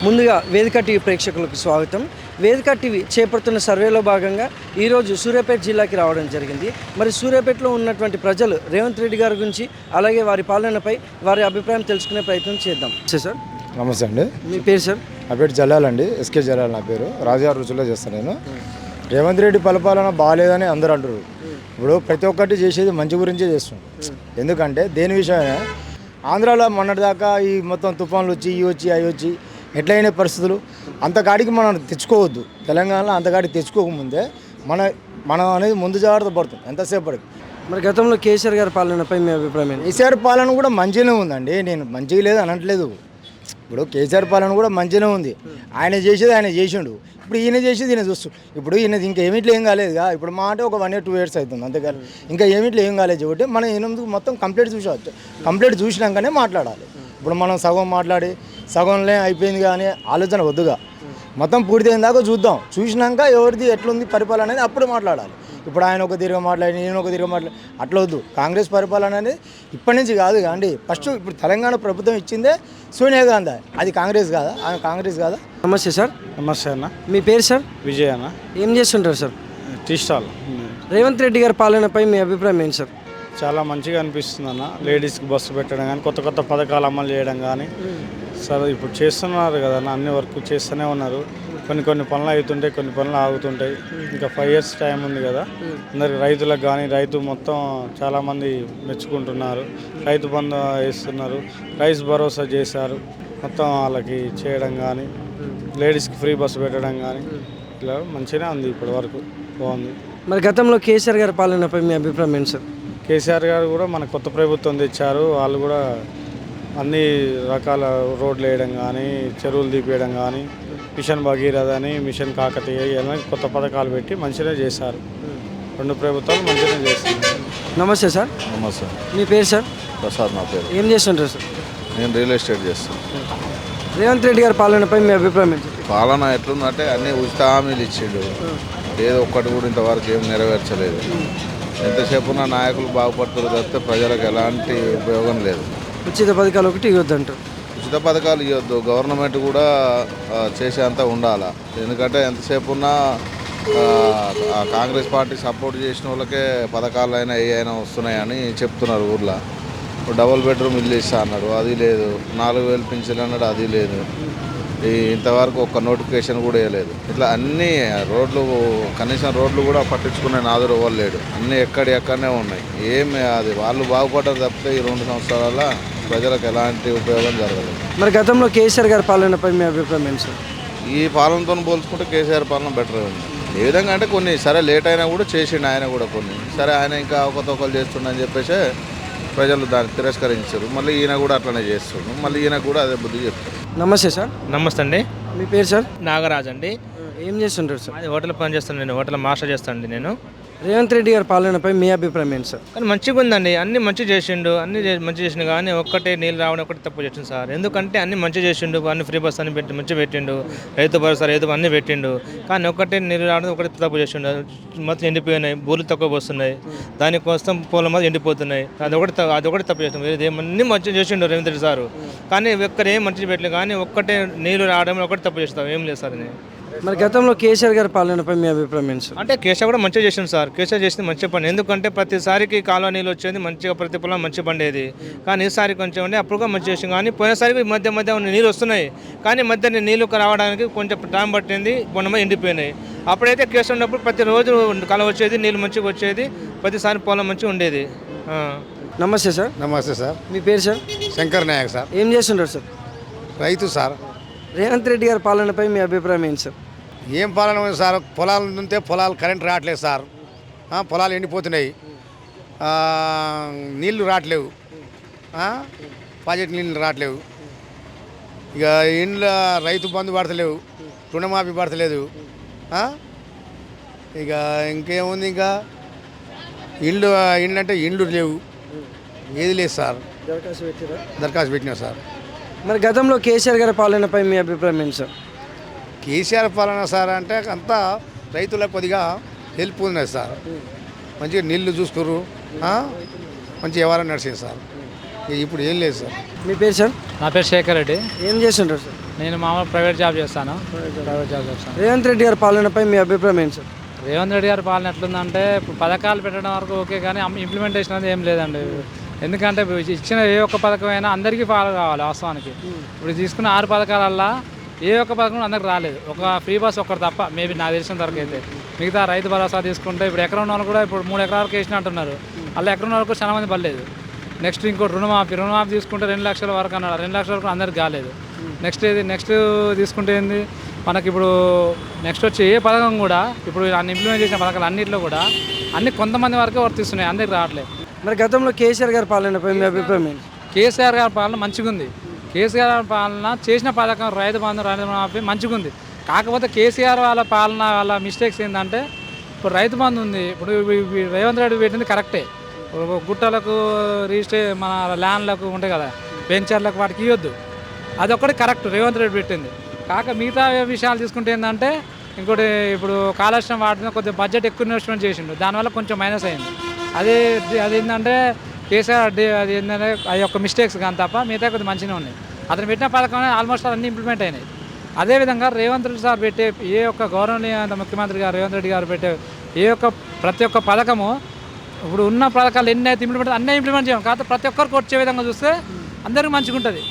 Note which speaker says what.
Speaker 1: ముందుగా వేదిక టీవీ ప్రేక్షకులకు స్వాగతం. వేదిక టీవీ చేపడుతున్న సర్వేలో భాగంగా ఈరోజు సూర్యాపేట జిల్లాకి రావడం జరిగింది. మరి సూర్యాపేటలో ఉన్నటువంటి ప్రజలు రేవంత్ రెడ్డి గారి గురించి అలాగే వారి పాలనపై వారి అభిప్రాయం తెలుసుకునే ప్రయత్నం చేద్దాం. సార్
Speaker 2: నమస్తే అండి.
Speaker 1: మీ పేరు సార్?
Speaker 2: నా పేరు జలాల్ అండి, ఎస్కే జలాల్ నా పేరు. రాజుగారి రుచుల్లో చేస్తాను నేను. రేవంత్ రెడ్డి పరిపాలన బాగాలేదని అందరూ అంటారు. ఇప్పుడు ప్రతి ఒక్కటి చేసేది మంచి గురించే చేస్తున్నాం. ఎందుకంటే దేని విషయమే ఆంధ్రాలో మొన్నటిదాకా ఈ మొత్తం తుఫాన్లు వచ్చి ఇవి వచ్చి అవి వచ్చి ఎట్లయిన పరిస్థితులు అంతకాడికి మనం తెచ్చుకోవద్దు. తెలంగాణలో అంతకాడికి తెచ్చుకోకముందే మనం అనేది ముందు జాగ్రత్త పడుతుంది ఎంతసేపటికి.
Speaker 1: మరి గతంలో కేసీఆర్ గారి పాలనపై మీ అభిప్రాయం?
Speaker 2: కేసీఆర్ పాలన కూడా మంచిగానే ఉందండి, నేను మంచిగా లేదు అనట్లేదు. ఇప్పుడు కేసీఆర్ పాలన కూడా మంచిగానే ఉంది. ఆయన చేసేది ఆయన చేసిండు, ఇప్పుడు ఈయన చేసేది ఈయన చూస్తూ. ఇప్పుడు ఈయన ఇంకా ఏమిట్లో ఏం కాలేదుగా. ఇప్పుడు మా అంటే ఒక 1 year 2 years అవుతుంది అంతేకాదు, ఇంకా ఏమిట్లో ఏం కాలేదు కాబట్టి మనం 8 మొత్తం కంప్లీట్ చూసవచ్చు. కంప్లీట్ చూసినాకనే మాట్లాడాలి. ఇప్పుడు మనం సగం మాట్లాడి సగంలో అయిపోయింది కానీ ఆలోచన వద్దుగా. మొత్తం పూర్తయిన దాకా చూద్దాం, చూసినాక ఎవరిది ఎట్లుంది పరిపాలన అనేది అప్పుడు మాట్లాడాలి. ఇప్పుడు ఆయన ఒక తీరుగా మాట్లాడి నేను ఒక తీరుగా మాట్లాడి అట్లా వద్దు. కాంగ్రెస్ పరిపాలన అనేది ఇప్పటి నుంచి కాదు అండి. ఫస్ట్ ఇప్పుడు తెలంగాణ ప్రభుత్వం ఇచ్చిందే సోనియా గాంధీ, అది కాంగ్రెస్ కాదా? ఆమె కాంగ్రెస్ కాదా?
Speaker 1: నమస్తే సార్.
Speaker 3: నమస్తే అన్న.
Speaker 1: మీ పేరు సార్?
Speaker 3: విజయ్ అన్న.
Speaker 1: ఏం చేస్తుంటారు sir?
Speaker 3: Tea stall.
Speaker 1: Revanth Reddy గారి పాలనపై మీ అభిప్రాయం ఏంటి సార్?
Speaker 3: చాలా మంచిగా అనిపిస్తుంది అన్న. లేడీస్కి బస్సు పెట్టడం కానీ కొత్త కొత్త పథకాలు అమలు చేయడం కానీ సరే ఇప్పుడు చేస్తున్నారు కదా అన్న, అన్ని వర్క్ చేస్తూనే ఉన్నారు. కొన్ని పనులు అవుతుంటాయి, కొన్ని పనులు ఆగుతుంటాయి. ఇంకా 5 years టైం ఉంది కదా. అందరికి రైతులకు కానీ రైతు మొత్తం చాలామంది మెచ్చుకుంటున్నారు. రైతు బంధు వేస్తున్నారు, రైస్ భరోసా చేశారు. మొత్తం వాళ్ళకి చేయడం కానీ లేడీస్కి ఫ్రీ బస్సు పెట్టడం కానీ ఇలా మంచిగానే ఉంది ఇప్పటి వరకు, బాగుంది.
Speaker 1: మరి గతంలో కేసీఆర్ గారి పాలనపై మీ అభిప్రాయం ఏంటి సార్?
Speaker 3: కేసీఆర్ గారు కూడా మన కొత్త ప్రభుత్వం తెచ్చారు. వాళ్ళు కూడా అన్ని రకాల రోడ్లు వేయడం కానీ చెరువులు తీపేయడం కానీ మిషన్ భగీరథ అని మిషన్ కాకతీయ ఇవన్నీ కొత్త పథకాలు పెట్టి మంచిగా చేశారు. 2 ప్రభుత్వాలు మంచిగా చేస్తున్నారు.
Speaker 1: నమస్తే సార్.
Speaker 4: నమస్తే.
Speaker 1: మీ పేరు సార్?
Speaker 4: ప్రసాద్ నా పేరు.
Speaker 1: ఏం చేస్తుంటారు సార్?
Speaker 4: నేను రియల్ ఎస్టేట్ చేస్తాను.
Speaker 1: రేవంత్ రెడ్డి గారి పాలనపై మీ అభిప్రాయం ఏంటి?
Speaker 4: పాలన ఎట్లుందంటే అన్ని ఉచిత హామీలు ఇచ్చిండు, ఏదో ఒక్కటి కూడా ఇంతవరకు ఏం నెరవేర్చలేదు. ఎంతసేపు ఉన్న నాయకులు బాగుపడుతున్నారు తప్పితే ప్రజలకు ఎలాంటి ఉపయోగం లేదు.
Speaker 1: ఉచిత పథకాలు ఒకటి ఇవ్వద్దంటారు.
Speaker 4: ఉచిత పథకాలు ఇవ్వద్దు, గవర్నమెంట్ కూడా చేసేంత ఉండాలి. ఎందుకంటే ఎంతసేపు ఉన్నా కాంగ్రెస్ పార్టీ సపోర్ట్ చేసిన వాళ్ళకే పథకాలు అయినా ఏ అయినా వస్తున్నాయని చెప్తున్నారు ఊర్లో. డబుల్ బెడ్రూమ్ ఇల్లు ఇస్తా అన్నాడు, అది లేదు. 4,000 పింఛన్లు అన్నాడు, అది లేదు. ఇంతవరకు ఒక్క నోటిఫికేషన్ కూడా వేయలేదు. ఇట్లా అన్నీ రోడ్లు, కనీసం రోడ్లు కూడా పట్టించుకునే నాదుడు ఎవరు లేడు. అన్నీ ఎక్కడనే ఉన్నాయి. ఏమి అది వాళ్ళు బాగుపడ్డారు తప్పితే ఈ 2 సంవత్సరాల ప్రజలకు ఎలాంటి ఉపయోగం జరగలేదు.
Speaker 1: మరి గతంలో కేసీఆర్ గారి పాలనపై మీ అభిప్రాయం ఏంటి సార్?
Speaker 4: ఈ పాలనతో పోల్చుకుంటే కేసీఆర్ పాలన బెటర్ ఉంది. ఏ విధంగా అంటే కొన్ని సరే లేట్ అయినా కూడా చేసిండు ఆయన కూడా, కొన్ని సరే ఆయన ఇంకా అవకతవకలు చేస్తుండని చెప్పేసి ప్రజలు దాన్ని తిరస్కరించారు. మళ్ళీ ఈయన కూడా అట్లనే చేస్తుండు, మళ్ళీ ఈయన కూడా అదే బుద్ధి చెప్తారు.
Speaker 1: నమస్తే సార్.
Speaker 5: నమస్తే అండి.
Speaker 1: మీ పేరు సార్?
Speaker 5: నాగరాజ్ అండి.
Speaker 1: ఏం చేస్తుంటారు సార్?
Speaker 5: అది హోటల్ పని చేస్తాను, నేను హోటల్ మాస్టర్ చేస్తాను నేను.
Speaker 1: రేవంత్ రెడ్డి గారి పాలనపై మీ అభిప్రాయం ఏంటి సార్?
Speaker 5: కానీ మంచిగా ఉందండి, అన్ని మంచి చేసిండు, మంచి చేసిండు. కానీ ఒక్కటే నీళ్ళు రావడం ఒకటి తప్పు చేసిండు సార్. ఎందుకంటే అన్ని మంచి చేసిండు, అన్ని ఫ్రీ బస్ అని పెట్టి మంచిగా పెట్టిండు, రైతు భరోసా రైతు అన్నీ పెట్టిండు. కానీ ఒక్కటే నీళ్ళు రావడం ఒకటి తప్పు చేసిండు. మొత్తం ఎండిపోయినాయి, బూర్లు తక్కువ వస్తున్నాయి, దానికోసం పూల మొత్తం ఎండిపోతున్నాయి. అదొకటి తప్పు చేసిండు. అన్ని మంచిగా చేసిండు రేవంత్ రెడ్డి సారు. కానీ ఒక్కరు ఏం మంచిగా పెట్టలేదు, కానీ ఒక్కటే నీళ్ళు రావడం ఒకటి తప్పు చేస్తాం, ఏం లేదు సార్.
Speaker 1: మరి గతంలో కేసీఆర్ గారి పాలనపై మీ అభిప్రాయం ఏంటి సార్?
Speaker 5: అంటే కేసీఆర్ కూడా మంచిగా చేసింది సార్. కేసీఆర్ చేసింది మంచి పని. ఎందుకంటే ప్రతిసారికి కాలువ నీళ్ళు వచ్చేది మంచిగా, ప్రతి పొలం మంచి పండేది. కానీ ఈసారి కొంచెం ఉండే అప్పుడు కూడా మంచి చేసింది. కానీ పోయినసారికి మధ్య నీళ్ళు వస్తున్నాయి, కానీ మధ్య నీళ్ళు రావడానికి కొంచెం టైం పట్టింది, మొన్న ఎండిపోయినాయి. అప్పుడైతే కేసీఆర్ ఉన్నప్పుడు ప్రతిరోజు కాలువ వచ్చేది, నీళ్ళు మంచిగా వచ్చేది, ప్రతిసారి పొలం మంచిగా ఉండేది.
Speaker 1: నమస్తే సార్.
Speaker 2: నమస్తే సార్.
Speaker 1: మీ పేరు సార్?
Speaker 2: శంకర్ నాయక్ సార్.
Speaker 1: ఏం చేస్తుంటారు సార్?
Speaker 2: రైతు సార్.
Speaker 1: రేవంత్ రెడ్డి గారి పాలనపై మీ అభిప్రాయం ఏంటి సార్?
Speaker 2: ఏం పాలన ఉంది సార్? పొలాలు ఉంటే పొలాలు కరెంట్ రావట్లేదు సార్. పొలాలు ఎండిపోతున్నాయి, నీళ్లు రావట్లేవు, ప్రాజెక్ట్ నీళ్ళు రావట్లేవు. ఇక ఇండ్ల రైతు బంధు పడతలేవు, రుణమాఫీ పడతలేదు. ఇక ఇంకేముంది, ఇంకా ఇండ్లు అంటే ఇండ్లు లేవు, ఏది లేదు సార్. దరఖాస్తు పెట్టినా సార్.
Speaker 1: మరి గతంలో కేసీఆర్ గారి పాలనపై మీ అభిప్రాయం ఏంటి సార్?
Speaker 2: కేసీఆర్ పాలన సార్ అంటే అంతా రైతులకు కొద్దిగా హెల్ప్ ఉన్నది సార్. మంచిగా నీళ్లు చూసుకోరు, మంచి వ్యవహారం నడిచింది సార్. ఇప్పుడు ఏం లేదు సార్.
Speaker 1: మీ పేరు సార్?
Speaker 6: నా పేరు శేఖర్ రెడ్డి.
Speaker 1: ఏం చేస్తుంటారు సార్?
Speaker 6: నేను మామూలు ప్రైవేట్ జాబ్ చేస్తాను. ప్రైవేట్ జాబ్ చేస్తాను.
Speaker 1: రేవంత్ రెడ్డి గారి పాలనపై మీ అభిప్రాయం ఏంటి సార్?
Speaker 6: రేవంత్ రెడ్డి గారి పాలన ఎట్లుందంటే ఇప్పుడు పథకాలు పెట్టడం వరకు ఓకే, కానీ ఇంప్లిమెంటేషన్ అనేది ఏం లేదండి. ఎందుకంటే ఇచ్చిన ఏ ఒక్క పథకం అయినా అందరికీ ఫాలో కావాలి. వాస్తవానికి ఇప్పుడు తీసుకున్న 6 పథకాలల్లో ఏ ఒక్క పథకం అందరికి రాలేదు. ఒక ఫ్రీ బస్ ఒక్కటి తప్ప, మేబీ నాకు తెలిసిన వరకు అయితే. మిగతా రైతు భరోసా తీసుకుంటే ఇప్పుడు ఎకరం ఉన్న వాళ్ళు కూడా ఇప్పుడు 3 ఎకరాల వరకు వేసిన అంటున్నారు. అలా ఎకరం ఉన్న వరకు చాలా మంది పడలేదు. నెక్స్ట్ ఇంకోటి రుణమాఫీ తీసుకుంటే 2 లక్షల వరకు అన్నాడు. 2 లక్షల వరకు అందరికి కాలేదు. నెక్స్ట్ తీసుకుంటే ఏంది మనకి ఇప్పుడు నెక్స్ట్ వచ్చి ఏ పథకం కూడా ఇప్పుడు అన్ని ఇంప్లిమెంట్ చేసిన పథకాలు అన్నింటిలో కూడా అన్ని కొంతమంది వరకే వర్తిస్తున్నాయి, అందరికి రావట్లేదు.
Speaker 1: మరి గతంలో కేసీఆర్ గారి పాలనపై మీ అభిప్రాయం ఏంటి?
Speaker 6: కేసీఆర్ గారి పాలన మంచిగా ఉంది. కేసీఆర్ గారి పాలన చేసిన పథకం రైతు రుణమాఫీ మంచిగా ఉంది. కాకపోతే కేసీఆర్ వాళ్ళ పాలన వాళ్ళ మిస్టేక్స్ ఏంటంటే ఇప్పుడు రైతు బంధు ఉంది. ఇప్పుడు రేవంత్ రెడ్డి పెట్టింది కరెక్టే. గుట్టలకు మన ల్యాండ్లకు ఉంటాయి కదా, వెంచర్లకు వాటికి ఇవ్వద్దు. అదొక్కటి కరెక్ట్ రేవంత్ రెడ్డి పెట్టింది. మిగతా విషయాలు తీసుకుంటే ఏంటంటే ఇంకోటి ఇప్పుడు కాళేశ్వరం వాటిని కొద్దిగా బడ్జెట్ ఎక్కువ ఇన్వెస్ట్మెంట్ చేసిండు, దానివల్ల కొంచెం మైనస్ అయింది. అదేంటంటే కేసీఆర్ అది ఏంటంటే అది యొక్క మిస్టేక్స్ కానీ తప్ప మిగతా కొద్దిగా మంచిగా ఉన్నాయి. అతను పెట్టిన పథకం ఆల్మోస్ట్ అన్నీ ఇంప్లిమెంట్ అయినాయి. అదేవిధంగా రేవంత్ రెడ్డి సార్ పెట్టే ఏ ఒక్క గౌరవనీయ ముఖ్యమంత్రి గారు రేవంత్ రెడ్డి గారు పెట్టే ప్రతి ఒక్క పథకము ఇప్పుడు ఉన్న పథకాలు ఎన్ని అయితే ఇంప్లిమెంట్ అన్నీ ఇంప్లిమెంట్ చేయం. కాకపోతే ప్రతి ఒక్కరికి వచ్చే విధంగా చూస్తే అందరికీ మంచిగా ఉంటుంది.